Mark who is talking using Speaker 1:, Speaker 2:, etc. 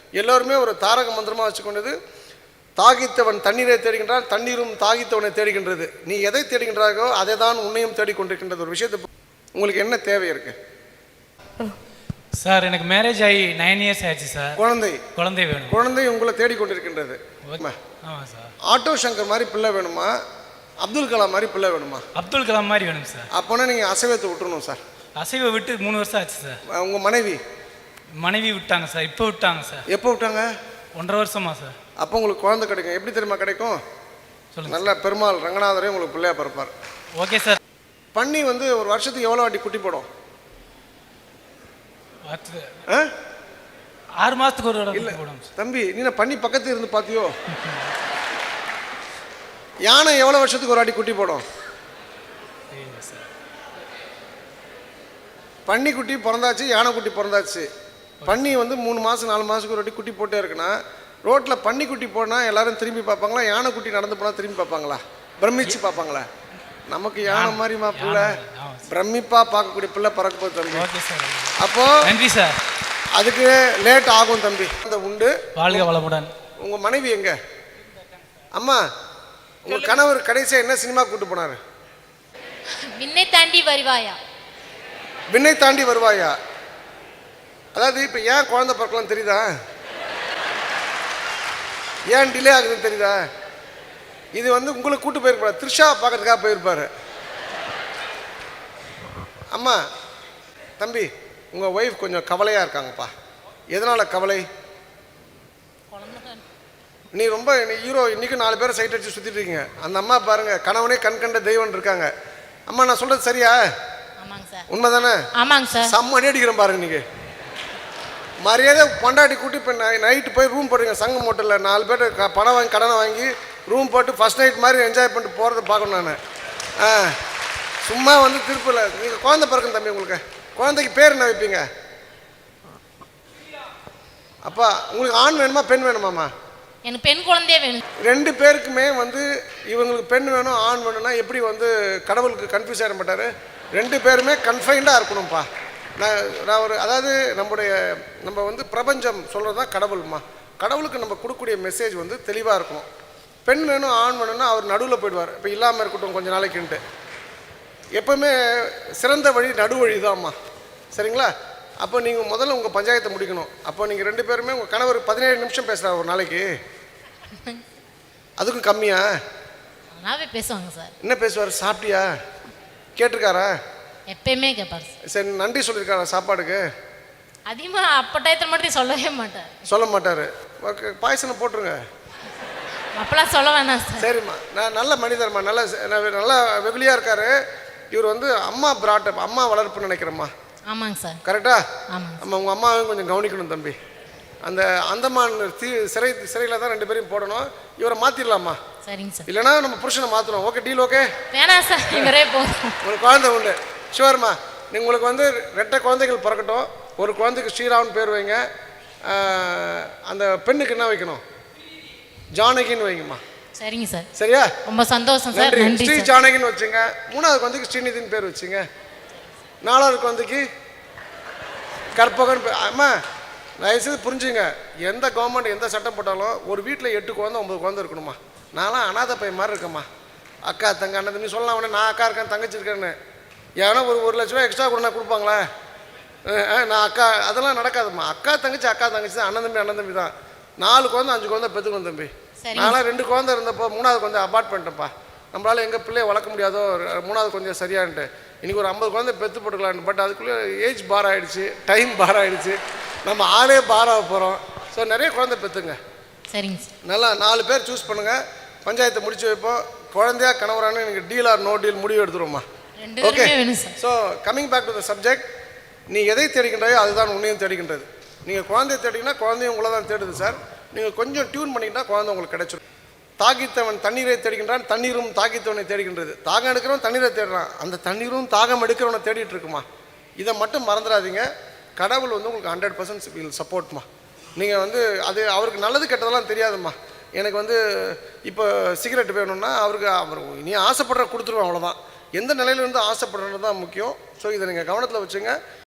Speaker 1: எல்லோருமே ஒரு தாரக மந்திரமாக வச்சுக்கொண்டது, தாகித்தவன் தண்ணீரை தேடுகின்றான், தண்ணீரும் தாகித்தவனை தேடுகின்றது. நீ எதை தேடுகின்றாயோ அதை தான் உன்னையும் தேடிக்கொண்டிருக்கின்றது. ஒரு விஷயத்தை உங்களுக்கு என்ன தேவை இருக்கு
Speaker 2: சார்? எனக்கு மேரேஜ் ஆகி 9 இயர்ஸ் ஆயிடுச்சு சார்.
Speaker 1: குழந்தை வேணும். குழந்தை உங்களை தேடிக்கொண்டிருக்கின்றது.
Speaker 2: ஆமாம் சார்.
Speaker 1: ஆட்டோ சங்கர் மாதிரி பிள்ளை வேணுமா, அப்துல் கலாம் மாதிரி பிள்ளை வேணுமா?
Speaker 2: அப்துல் கலாம் மாதிரி வேணும் சார்.
Speaker 1: அப்போனா நீங்கள் அசைவத்தை விட்டுறணும் சார்.
Speaker 2: அசைவை விட்டு 3 வருஷம் ஆச்சு சார்.
Speaker 1: உங்கள் மனைவி
Speaker 2: விட்டாங்க சார். இப்போ விட்டாங்க சார்.
Speaker 1: எப்போ விட்டாங்க?
Speaker 2: 1.5 வருஷமா சார்.
Speaker 1: அப்போ உங்களுக்கு குழந்தை கிடைக்கும். எப்படி தெரியுமா கிடைக்கும்?
Speaker 2: சொல்லுங்கள்.
Speaker 1: நல்ல பெருமாள் ரங்கநாதரே உங்களுக்கு பிள்ளையா பிறப்பார்.
Speaker 2: Okay sir.
Speaker 1: பன்னி வந்து ஒரு வருஷத்துக்கு எவ்வளோ வாட்டி குட்டி போடும்?
Speaker 2: 6 மாதத்துக்கு ஒரு இல்லை போடும்
Speaker 1: தம்பி. நீ பன்னி பக்கத்தில் இருந்து பார்த்தியோ? யானை எவ்வளோ வருஷத்துக்கு ஒரு வாட்டி குட்டி போடும்? பன்னி குட்டி பிறந்தாச்சு, யானை குட்டி பிறந்தாச்சு. பன்னி வந்து 3 மாதம் 4 மாதத்துக்கு ஒரு வாட்டி குட்டி போட்டே இருக்குன்னா, ரோட்டில் பன்னி குட்டி போனால் எல்லாரும் திரும்பி பார்ப்பாங்களா, யானை குட்டி நடந்து போனால் திரும்பி பார்ப்பாங்களா, பிரமிச்சு பார்ப்பாங்களா? நமக்கு யானை மாதிரி பிள்ளை பிரமிப்பா பார்க்கக்கூடிய பிள்ளை பறக்க போகுது தம்பி. அப்போ
Speaker 2: நன்றி சார்.
Speaker 1: அதுக்கு லேட் ஆகும் தம்பி. அந்த உண்டு.
Speaker 2: வாழ்க வளமுடன்.
Speaker 1: உங்கள் மனைவி எங்க? அம்மா, உங்கள் கணவர் கடைசியாக என்ன சினிமா கூட்டு போனார்?
Speaker 3: விண்ணை தாண்டி வருவாயா.
Speaker 1: விண்ணை தாண்டி வருவாயா? அதாவது இப்போ ஏன் குழந்தை பிறக்கலாம் தெரியுதா? ஏன் டிலே ஆகுதுன்னு தெரியுதா? இது வந்து உங்களை கூட்டு போயிருப்பாரு, த்ரிஷா பார்க்கறதுக்காக போயிருப்பாரு. அம்மா, தம்பி, உங்கள் ஒய்ஃப் கொஞ்சம் கவலையாக இருக்காங்கப்பா. எதனால் கவலை? நீ ரொம்ப ஹீரோ, இன்றைக்கும் 4 பேரை சைட் அடிச்சு சுற்றிட்டு இருக்கீங்க. அந்த அம்மா பாருங்கள், கணவனே கண் கண்ட தெய்வம் இருக்காங்க. அம்மா, நான் சொல்கிறது சரியா? உண்மை தானே?
Speaker 3: ஆமாங்க சார்.
Speaker 1: செம்ம அடி அடிக்கிறேன் பாருங்க. நீங்கள் மரியாதை பொண்டாட்டி கூட்டி இப்போ நைட்டு போய் ரூம் போடுறீங்க. சங்கம் ஹோட்டலில் 4 பேர் பணம் வாங்கி கடனை வாங்கி ரூம் போட்டு ஃபஸ்ட் நைட் மாதிரி என்ஜாய் பண்ணிட்டு போகிறத பார்க்கணும் நான். சும்மா வந்து திருப்பில் நீங்கள் குழந்தை பிறக்கணும் தம்பி. உங்களுக்கு குழந்தைக்கு பேர் என்ன வைப்பீங்க? அப்பா, உங்களுக்கு ஆண் வேணுமா பெண் வேணுமாம்மா?
Speaker 3: எனக்கு பெண் குழந்தையே வேணும். 2
Speaker 1: பேருக்குமே வந்து இவங்களுக்கு பெண் வேணும் ஆண் வேணும்னா எப்படி வந்து கடவுளுக்கு கன்ஃபியூஸ் ஆகிட மாட்டார்? 2 பேருமே கன்ஃபைண்டாக இருக்கணும்ப்பா. நான் ஒரு அதாவது நம்ம வந்து பிரபஞ்சம் சொல்கிறது தான் கடவுள்மா. கடவுளுக்கு நம்ம கொடுக்கக்கூடிய மெசேஜ் வந்து தெளிவாக இருக்கணும். பெண் வேணும் ஆண் வேணும்னா அவர் நடுவில் போயிடுவார். இப்போ இல்லாமல் இருக்கட்டும் கொஞ்சம் நாளைக்குன்ட்டு. எப்போவுமே சிறந்த வழி நடுவழி தான்மா. சரிங்களா? அப்போ நீங்கள் முதல்ல உங்கள் பஞ்சாயத்தை முடிக்கணும். அப்போ நீங்கள் 2 பேருமே உங்கள் கணவர் 17 நிமிஷம் பேசுகிறார் ஒரு நாளைக்கு. அதுக்கும் கம்மியா?
Speaker 3: பேசுவாங்க சார்.
Speaker 1: என்ன பேசுவார்? சாப்பிட்டியா கேட்டிருக்காரா?
Speaker 3: எப்பயுமே கேட்பார்.
Speaker 1: சரி, நன்றி சொல்லியிருக்காரா சாப்பாடுக்கு?
Speaker 3: அதிகமாக அப்போ டயத்தில் மட்டும் சொல்லவே மாட்டார்.
Speaker 1: சொல்ல மாட்டார். பாயசனை போட்டுருங்க.
Speaker 3: அப்பெல்லாம் சொல்ல வேணாம் சார்.
Speaker 1: சரிம்மா, நான் நல்ல மனிதர்மா, நல்லா வெகுளியாக இருக்காரு. இவர் வந்து அம்மா பிராட்டப், அம்மா வளர்ப்புன்னு நினைக்கிறேம்மா.
Speaker 3: ஆமாங்க சார்.
Speaker 1: கரெக்டா?
Speaker 3: ஆமாம்.
Speaker 1: நம்ம உங்கள் அம்மாவையும் கொஞ்சம் கவனிக்கணும் தம்பி. அந்த அந்தமான் சிறையில் தான் 2 பேரையும் போடணும். இவரை மாற்றிடலாமா?
Speaker 3: சரிங்க சார்.
Speaker 1: இல்லைனா நம்ம புருஷனை மாற்றணும். Okay, deal okay?
Speaker 3: வேணாம் சார், இவரே போதும்.
Speaker 1: உங்களுக்கு குழந்தை உண்டு. ஷுவர்மா. உங்களுக்கு வந்து 2 குழந்தைகள் பிறக்கட்டும். ஒரு குழந்தைக்கு ஸ்ரீராம்னு பேர் வைங்க. அந்த பெண்ணுக்கு என்ன வைக்கணும்? ஜானகின்னு வைங்கம்மா.
Speaker 3: சரிங்க சார்.
Speaker 1: சரியா? ரொம்ப
Speaker 3: சந்தோஷம் சார். நன்றி.
Speaker 1: ஸ்ரீ ஜானகின்னு வச்சுங்க. 3வது குழந்தைக்கு ஸ்ரீநிதின்னு பேர் வச்சுங்க. 4வது குழந்தைக்கு கற்பகன். அம்மா, தயவுசெய்து புரிஞ்சுங்க. எந்த கவர்மெண்ட் எந்த சட்டம் போட்டாலும் ஒரு வீட்டில் 8 குழந்தை 9 குழந்தை இருக்கணுமா. நான்லாம் அனாதை பையன் மாதிரி இருக்கேம்மா. அக்கா தங்க அண்ணன் நீ சொல்லலாம் உடனே நான் அக்கா இருக்கேன் தங்கச்சி இருக்கேன்னு. ஏன்னா ஒரு லட்ச ரூபா எக்ஸ்ட்ரா கொடுனா கொடுப்பாங்களா? நான் அக்கா அதெல்லாம் நடக்காதும்மா. அக்கா தங்கச்சி தான். அண்ணன் தம்பி தான். 4 குழந்தை 5 குழந்தை பெற்றுக்கணும் தம்பி. நான்லாம் 2 குழந்தை இருந்தப்போ 3வது குழந்தை அபார்ட் பண்ணிட்டேன்ப்பா. நம்மளால் எங்கள் பிள்ளைய வளர்க்க முடியாதோ 3வது கொஞ்சம் சரியான்ட்டு இன்றைக்கி ஒரு 50 குழந்தை பெற்று போட்டுக்கலான்னு. பட் அதுக்குள்ளே ஏஜ் பார் ஆகிடுச்சு, டைம் பார் ஆகிடுச்சு, நம்ம ஆளே பாராக போகிறோம். ஸோ நிறைய குழந்தை பெற்றுங்க.
Speaker 3: சரிங்க சார்.
Speaker 1: நல்லா 4 பேர் சூஸ் பண்ணுங்கள். பஞ்சாயத்தை முடிச்சு வைப்போம். குழந்தையா கணவரானு எனக்கு டீல் ஆர் நோ டீல் முடிவு எடுத்துருவோம்மா. Okay. So coming back to the subject. நீ எதை தேடிக்கின்றாயோ அதுதான் உன்னையும் தேடிக்கின்றது. நீங்கள் குழந்தைய தேடிங்கன்னா குழந்தையும் உங்களை தான் தேடுது சார். நீங்கள் கொஞ்சம் டியூன் பண்ணிக்கிட்டால் குழந்தை உங்களுக்கு கிடைச்சிடும். தாகித்தவன் தண்ணீரை தேடுகின்றான், தண்ணீரும் தாகித்தவனை தேடுகின்றது. தாகம் எடுக்கிறவன் தண்ணீரை தேடுறான், அந்த தண்ணீரும் தாகம் எடுக்கிறவனை தேடிட்டு இருக்குமா. இதை மட்டும் மறந்துடாதீங்க. கடவுள் வந்து உங்களுக்கு 100% வில் சப்போர்ட்மா. நீங்கள் வந்து அது அவருக்கு நல்லது கெட்டதெல்லாம் தெரியாதும்மா. எனக்கு வந்து இப்போ சிகரெட் வேணும்னா அவர் நீ ஆசைப்படுற கொடுத்துருவோம், அவ்வளோதான். எந்த நிலையிலேருந்து ஆசைப்படுறது தான் முக்கியம். ஸோ இதை நீங்கள் கவனத்தில் வச்சுங்க.